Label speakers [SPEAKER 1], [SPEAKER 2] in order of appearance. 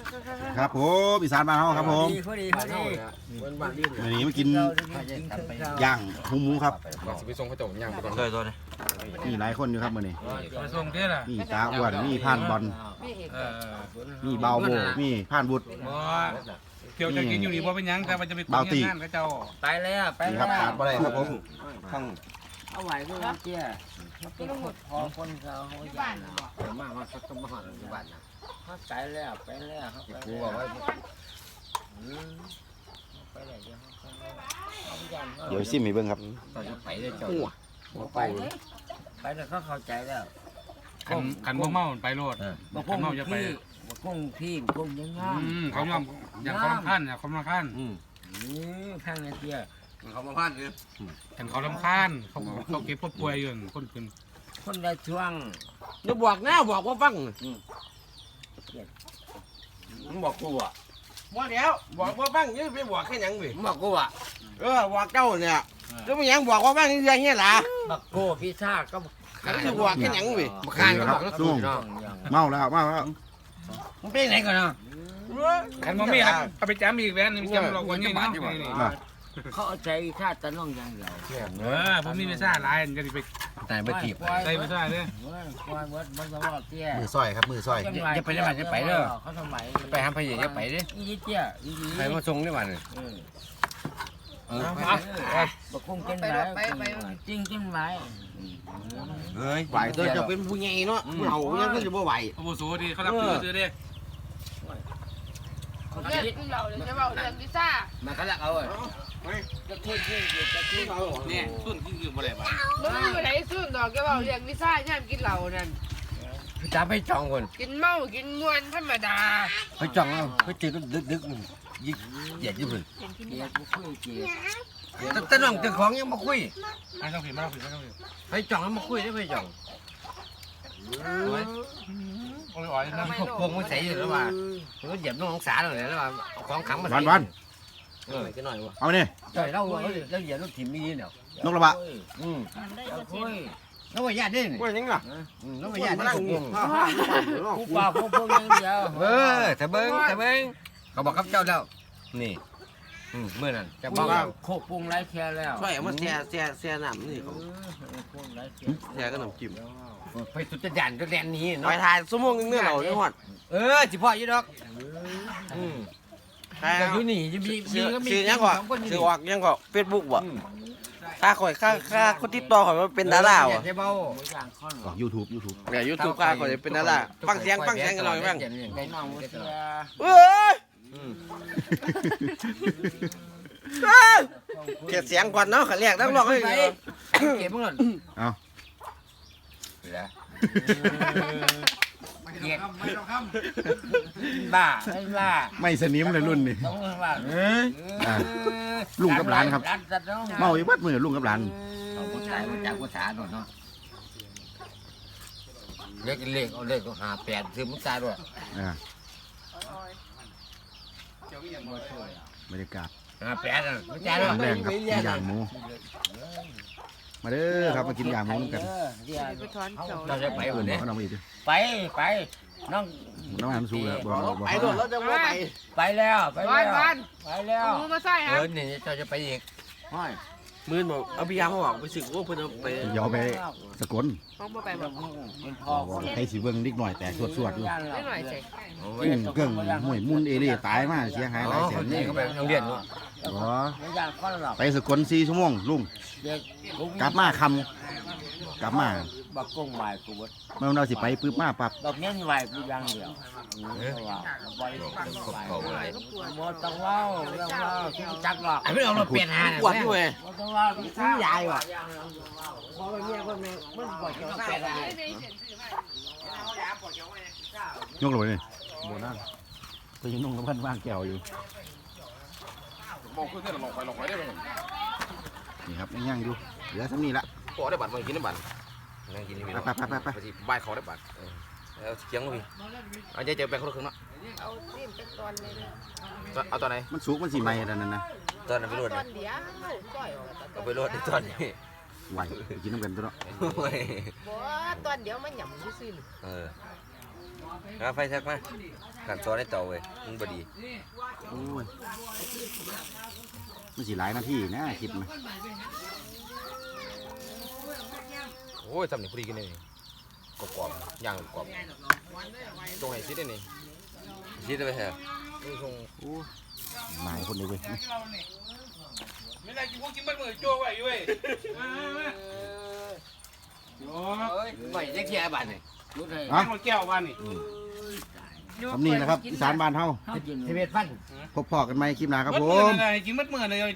[SPEAKER 1] ครับผมอีสานบ้านเฮาครับผม
[SPEAKER 2] พอดีวัน
[SPEAKER 1] วันนี้มากินย่างหมูครับ
[SPEAKER 3] สิไปส่งเขาเจ้าย่างไปก่อน
[SPEAKER 4] เลยตัวนี้
[SPEAKER 1] มีหลายคนอยู่ครับมื้อนี้
[SPEAKER 5] มาส่งเท่าไหร่
[SPEAKER 1] มีตาอ้วนมีผ่านบอลมีเบาโบมีผ่านบุตร
[SPEAKER 5] บ่เที่ยวจะกินอยู่นี่บ่เป็นหยังแต่มันจะไปคุยงานกับเจ้า
[SPEAKER 2] ไปแล้วไป
[SPEAKER 1] นี่
[SPEAKER 2] แล้
[SPEAKER 1] คว รับขาดบ่ได้ครับผมทั้ง
[SPEAKER 2] เอาไหวด้วยเจ้าเขาเป็นคนพอคนเขาบ้านมากเขาต้องมาหาอยู่บ้านนะเขาไปแล้วไปแล้วเขาไปกูบอกว่าไปไหนเดี๋ยวเขา
[SPEAKER 1] เดี๋ยวซิมให้เบิ่งครับ
[SPEAKER 2] ต่อจะไปเลยเจ้าไปไปแล้วเขาเข้าใจแล้ว
[SPEAKER 5] ขันบ่เมาไปโลด
[SPEAKER 2] บอก
[SPEAKER 5] ขันเมาจะไป
[SPEAKER 2] กุ้งพี่กุ้งยังงาม
[SPEAKER 5] เขายอมอย่างเขาลำคาญอย่างเขาลำคาญ
[SPEAKER 2] นี่ข้างในเตี้ย
[SPEAKER 3] เขามาพานคือ
[SPEAKER 5] ขันเขาลำคาญเขาเก็บผู้ป่วยอยู่คนขึ้น
[SPEAKER 2] คนละช่วง
[SPEAKER 3] อย่าบอกนะบอกว่าฟังมึงบอกกูอ่ะบ่แล้วบอกว่าฟังนี่ไปบอกแค่หยังเว้ย
[SPEAKER 2] บอกกูอ่ะ
[SPEAKER 3] บอกเจ้าเนี่ยแล้วมึงยังบอกว่าฟังนี่เงี้ยล่ะ
[SPEAKER 2] บอกกูพี่ชาก็
[SPEAKER 3] เขาจะบอกแค่หยังเว้ย
[SPEAKER 2] มาข้างก็บอก
[SPEAKER 1] ลุงเมาแล้ว
[SPEAKER 2] มึงเป็นไหนก่อนเนาะ
[SPEAKER 5] ขันบ่มีเอาไปจ้ำอีกแว่นนี่จำเราคนนี้เนาะ
[SPEAKER 2] เขาเอาใจชาติตะน้องอย่างเดียว
[SPEAKER 5] ผมมีไม่ทราบหลายจะไป
[SPEAKER 2] แต่ไม่ถีบ
[SPEAKER 5] ใส่ไม่ทราบเลย
[SPEAKER 2] ควายวัดมันจะว่าเตี้ย
[SPEAKER 1] มือซอยครับมือซอย
[SPEAKER 2] จะไปได้บ้านจะไปเด้อเขาทำไม
[SPEAKER 3] ไปหาพยาจะไปดิ
[SPEAKER 2] อีเตี้ยอี
[SPEAKER 3] ไปมาส่งได้บ้าน
[SPEAKER 2] บอกกุ้งกินไหมจริงกินไหม
[SPEAKER 3] เฮ้ยไหวตัวจะเป็นผู้ใหญ่เนาะผู้เฒ่ายังก็จะบ่ไหว
[SPEAKER 5] อาวุโสดีเขารับซื้อดิ
[SPEAKER 6] เรื่องเราเลยใช่ป่าเรื่องพิซซ่า
[SPEAKER 2] มาเขาลักเอาจะทุ่นจะทุ่นเอา
[SPEAKER 5] เนี่ยตุ้นที่อยู่บ่ได้บ้าน
[SPEAKER 6] มึงอยู่ไหนสุดดอกแกบอกเรื่องพิซซ่าย่ามกินเหล้านั่น
[SPEAKER 2] พี่จ๋าไปจองคน
[SPEAKER 6] กินเมากินมวนธรรมดา
[SPEAKER 2] ไปจองเอาไปเจอดึกยิ่งเหยียดยิ่งเลยเหยียดกูคุยเจียแต่น้องเจ้าของยังมาคุย
[SPEAKER 5] ไม่ต้องผิดไม่ต้องผิดไม่ต้องผิด
[SPEAKER 2] ไปจองมาคุยได้ไปจอง
[SPEAKER 5] โอ้ยอ๋อยนะ
[SPEAKER 2] พวกมันใส่อยู่แล้วว่าเหยียบน้องสาเลยแล้วว่าของขังมา
[SPEAKER 1] วัน
[SPEAKER 3] กันหน่อยวะ
[SPEAKER 1] เอาเนี่ย
[SPEAKER 2] ใช่เราเหยียบรถถิ่มนี่เนาะ
[SPEAKER 1] นกระบะ
[SPEAKER 2] คุยน้องว่าญาติดิ
[SPEAKER 3] ว่ายังล่ะ
[SPEAKER 2] น้องว่าญาติดิ
[SPEAKER 3] กู
[SPEAKER 2] กูป่าพวกยังเดียวแต่เบิ้งเขาบอกกับเจ้าแล้วนี่เมื่อนั้นจะบอกว่าโคกปรุงไรแค่แล้ว
[SPEAKER 3] ช่วยเอามาแช่น้ำนี่เขาแช่ก็น้ำจิ้ม
[SPEAKER 2] ไปสุดจะดันจะแดนนี้
[SPEAKER 3] ไป
[SPEAKER 2] เนาะ
[SPEAKER 3] ถ่ายชั่วโมงนึงเนี่ยเราจังหวัด
[SPEAKER 2] จิพ่อยี่ดอกแต่อยู่นี่จะมี
[SPEAKER 3] ซื้อยังก่อนซื้อออกยังก่อนเฟซบุ๊กบ่ค่าข่อยค่าคนติดต่อข่อยว่าเป็นดาราว่ะ
[SPEAKER 2] ใช่เบ้า
[SPEAKER 1] ออกยูทูบ
[SPEAKER 3] เนี่ยยูทูบค่าข่อยเป็นดาราฟังเสียงกันหน่อยบ้าง
[SPEAKER 2] ได้น้องเสีย
[SPEAKER 3] เอ้ยเกลียดเสียงก่อนเนาะขันเรียกนักร้องให้
[SPEAKER 2] เก็บมั้ง
[SPEAKER 1] เอา
[SPEAKER 2] เก็บบ้าบ้า
[SPEAKER 1] ไม่สนิมเลยรุ่นนี่
[SPEAKER 2] ต้องว่า
[SPEAKER 1] ลุงกับหลานครับเมาอยู่บัดมือลุงกับหลาน
[SPEAKER 2] เอาผู้ชายมาจากภาษาหน่อยเนาะเลขเอาเลขก็58ซื้อมุสาด้วย
[SPEAKER 1] บรรยากาศ
[SPEAKER 2] 58อ่ะมุสา
[SPEAKER 1] ค
[SPEAKER 2] ด้วย
[SPEAKER 1] รั้งแรกครับกินย่างหมูมาเด้อครับมากินย่างหมูกัน
[SPEAKER 6] ไปถอนเขียว
[SPEAKER 2] เราจะไป
[SPEAKER 1] เพื่
[SPEAKER 2] วั
[SPEAKER 1] อน
[SPEAKER 2] นนี้
[SPEAKER 1] เขาน้องอีก
[SPEAKER 2] ไปน้อง
[SPEAKER 1] น้องอันสู้แล้วบอก
[SPEAKER 3] ไปโดนแล้วจะว่าไป
[SPEAKER 2] ไปแล้วไป
[SPEAKER 6] วัน
[SPEAKER 2] แล้ว
[SPEAKER 6] วัน
[SPEAKER 2] ไปแล้ว
[SPEAKER 6] เอามือมาใส่ฮะ
[SPEAKER 2] นี่เราจะไปอีก
[SPEAKER 3] มือบอกเอาพี่ยามมาบอกไปสึกว่าเพิ่นเอาไป
[SPEAKER 1] เดี๋ยวไปสกล
[SPEAKER 6] มองมาไปแบบ
[SPEAKER 2] เป็นพ่อ
[SPEAKER 1] ให้สีเบิ้งนิดหน่อยแต่สวดอยู่
[SPEAKER 6] ได้หน่อยสิ
[SPEAKER 1] กุ้งเกิ้งหวยมุนเอเล่ตายมาเสียหายหลายแสน
[SPEAKER 2] นี่ก็ไปโรงเรียนเนาะ
[SPEAKER 1] อ๋อ
[SPEAKER 2] ไม่ยากคนหรอก
[SPEAKER 1] ไปสกล4 ชั่วโมงลุง
[SPEAKER 2] เด็ก
[SPEAKER 1] กลับมาคำกลับมา
[SPEAKER 2] บักกงไหวกูบด
[SPEAKER 1] เมื่อเราสิไปปึ๊บมาปั๊บ
[SPEAKER 2] บักเนี้ยไหวกูยังเดียวว่าไหวหมดต้องเล่าเรื่องเล่าที่จักหรอกไม่เอาเราเปลี่ยนหา
[SPEAKER 3] ปวดด้วย
[SPEAKER 2] หมดต้องเล่าซื้อใหญ่ว่ะพอไปเมียคนนึงมันปวดจะเปลี่ยนหาย
[SPEAKER 1] กเลยนี่โบนั่นตัวยังนุ่งกับเพื่อนว่างแก้วอยู่
[SPEAKER 3] บอกเพื่อนลงไปได้ไหม
[SPEAKER 1] นี่ครับยังอยู่เหลือเท่านี้ละ
[SPEAKER 3] พอได้บัตรมากินได้บัตรนั่งกินนี่พี่
[SPEAKER 1] ไป
[SPEAKER 3] ใบเขาได้บัตรแล้วเสียงพี่เอาใจเจอแบงค์คนละครึ่งเนาะ
[SPEAKER 6] เอาซิมเป็นตอนเลย
[SPEAKER 3] เอาตอนไหน
[SPEAKER 1] มันสุกมันสีไหม้แล้วนั่นนะ
[SPEAKER 3] ตอนนั้นไปรวด
[SPEAKER 6] ตอนเดียวก่อยออก
[SPEAKER 3] เอาไปรวดตอนนี้
[SPEAKER 1] ไหวกินน้ำกันตัวเนาะ
[SPEAKER 6] บ่ตอนเดียวมันหย่ำซื่อ
[SPEAKER 3] เออไฟแท็กมาขันซอได้เต่าเว้ยมึงบ่ดี
[SPEAKER 1] โอ้ยมันสิหลายนาทีนะคลิปมัน
[SPEAKER 5] โอ้ยทำนี่พอดีกันนี่กรอบๆย่างกรอบตรงไหนซิดนี่
[SPEAKER 3] คิดได้ไปแท้
[SPEAKER 5] ตรง
[SPEAKER 1] โอ้ยหลายคนเลยเว้ย
[SPEAKER 5] ไม่ได้กินพวกกินบ้านมือโจ้ไว้อยู่เว้ยโอ้
[SPEAKER 2] เอ้ยไม่ได้แค่บ้านนี่รู้เลย
[SPEAKER 5] ยหมดแก้วบ้านนี่
[SPEAKER 1] คำนี้นะครับอีสานบ้านเฮา
[SPEAKER 2] ชีวิตฟัน
[SPEAKER 1] พบพอกันไหมคลิปหน้าครับผม
[SPEAKER 5] กินมัดมือเลย